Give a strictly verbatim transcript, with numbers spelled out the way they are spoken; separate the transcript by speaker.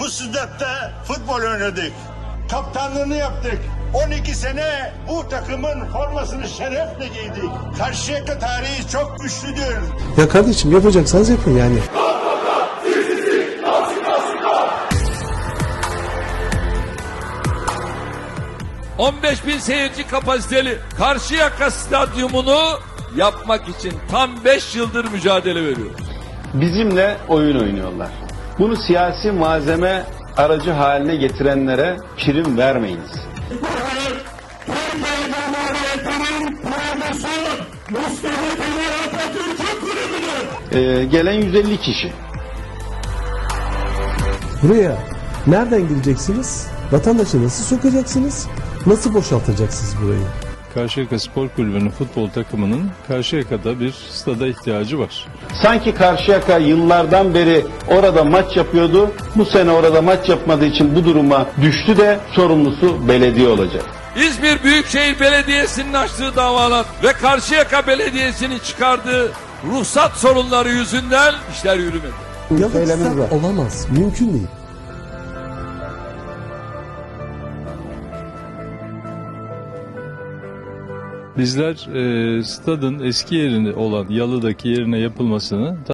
Speaker 1: bu sıcakta futbol oynadık. Kaptanlığını yaptık. on iki sene bu takımın formasını şerefle giydik. Karşıyaka tarihi çok güçlüdür.
Speaker 2: Ya kardeşim yapacaksanız yapın yani.
Speaker 3: on beş bin seyirci kapasiteli Karşıyaka Stadyumunu yapmak için tam beş yıldır mücadele veriyoruz.
Speaker 4: Bizimle oyun oynuyorlar. Bunu siyasi malzeme aracı haline getirenlere prim vermeyiniz. Ee, gelen yüz elli kişi.
Speaker 2: Buraya nereden gireceksiniz? Vatandaşı nasıl sokacaksınız? Nasıl boşaltacaksınız burayı?
Speaker 5: Karşıyaka Spor Kulübü'nün futbol takımının Karşıyaka'da bir stada ihtiyacı var.
Speaker 4: Sanki Karşıyaka yıllardan beri orada maç yapıyordu. Bu sene orada maç yapmadığı için bu duruma düştü de sorumlusu belediye olacak.
Speaker 3: İzmir Büyükşehir Belediyesi'nin açtığı davalar ve Karşıyaka Belediyesi'nin çıkardığı ruhsat sorunları yüzünden işler yürümedi.
Speaker 2: Yalık stat olamaz. Mümkün değil.
Speaker 5: Bizler e, stadın eski yerine olan Yalı'daki yerine yapılmasını